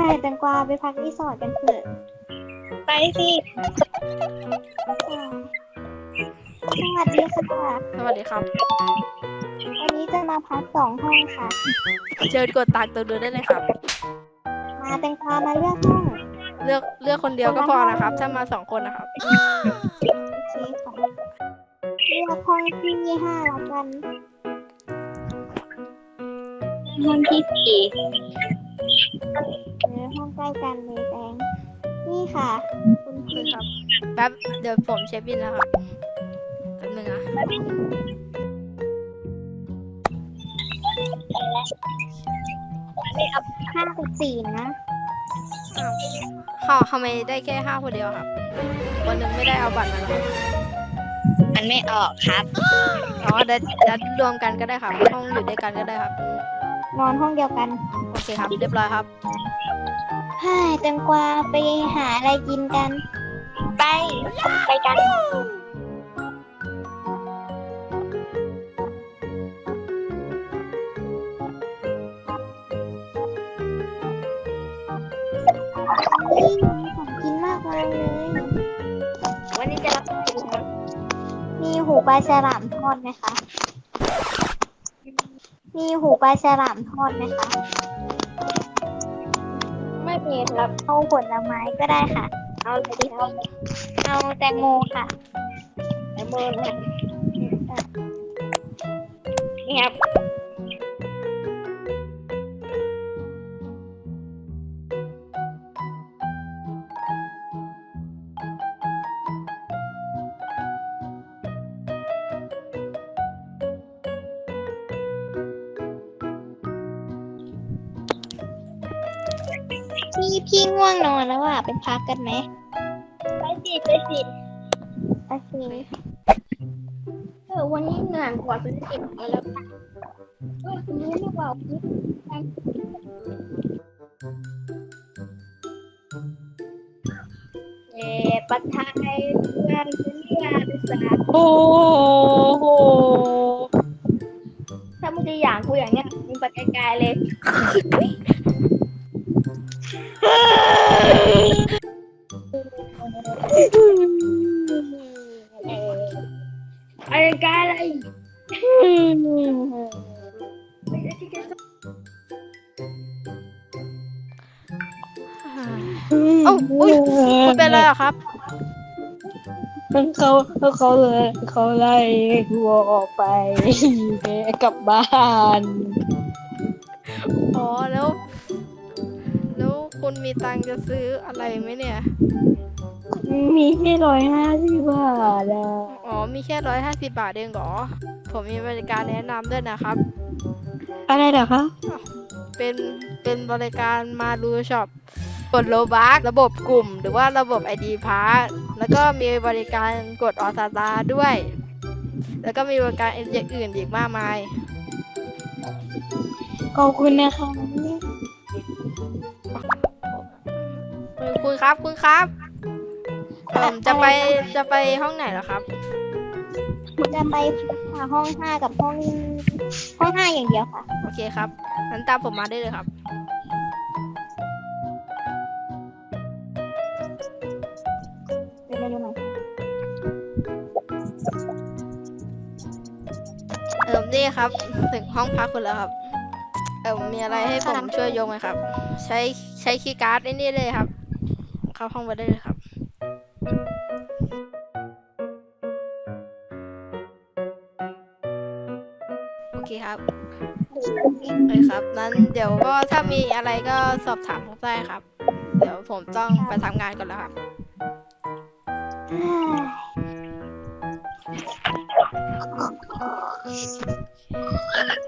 แตงกวาไปพักรีสอร์ทกันเถอะไปสิสวัสดีค่ะสวัสดีครับวันนี้จะมาพัก2 ห้องค่ะเชิญกดตังค์ตรงนู้นได้เลยครับมาแตงกวามาเลือกห้องเลือกคนเดียวก็พอนะครับ ถ้ามา2 คนนะครับโอเคค่ะเลือกห้องที่5แล้วกันห้องที่4 ห้องใกล้กันเลยแตงนี่ค่ะคุณพี่ครับแป๊บเดี๋ยวผมเช็คบินแล้วครับแป๊บนึงนะ 5 กับ 4นะทำไมได้แค่5 คนเดียวครับคนหนึ่งไม่ได้เอาบัตรมาแล้วครับมันไม่ออกครับอ๋อเดี๋ยวรวมกันก็ได้ครับ ห้องอยู่ด้วยกันก็ได้ครับนอนห้องเดียวกันโอเคครับ เรียบร้อยครับให้แตงกวาไปหาอะไรกินกันไปกันนี่มีของกินมากมายเลยวันนี้จะรับอะไรดีครับมีหูปลาฉลามทอดไหมคะ มีหูปลาฉลามทอดไหมคะไม่มีครับเอาผลไม้ก็ได้ค่ะเอาอะไรดีครับเอาแตงโมค่ะแตงโมนะครับนี่ครับพี่ง่วงนอนแล้วอ่ะเป็นพักกันไหมไปสิโอเควันนี้เหนื่อยกว่าเป็นสิบมาแล้วคุณรู้หรือเปล่าปัทไทยงานเป็นงานเป็นสาโอ้โหถ้ามึงจะอย่างกูอย่างเนี้ยมึงไปไกลๆเลยไปไกลเลยเอ้าอุ้ยคุณเป็นอะไรเหรอครับเขาไล่วัวออกไปกลับบ้านอ๋อแล้วคุณมีตังค์จะซื้ออะไรไหมเนี่ยมีแค่150 บาทอะอ๋อมีแค่150 บาทเองเหรอ ผมมีบริการแนะนำด้วยนะครับอะไรเหรอคะเป็นบริการมารูช็อปกดโลบัคระบบกลุ่มหรือว่าระบบ ID พาร์แล้วก็มีบริการกดออสตาด้วย แล้วก็มีบริการอย่างอื่นอีกมากมายขอบคุณนะคะคุณครับจะไปห้องไหนเหรอครับจะไปหาห้อง5กับห้อง5อย่างเดียวค่ะโอเคครับงั้นตามผมมาได้เลยครับเดี๋ยวหน่อยนี่ครับถึงห้องพักคุณแล้วครับ มีอะไรให้ผมช่วยยกไหมครับ ใช้คีย์การ์ดไอ้นี่เลยครับ เข้าห้องมาได้เลยครับ โอเคครับเลยครับนั้นเดี๋ยวก็ถ้ามีอะไรก็สอบถามผมได้ครับ เดี๋ยวผมต้องไปทำงานก่อนแล้วครับเ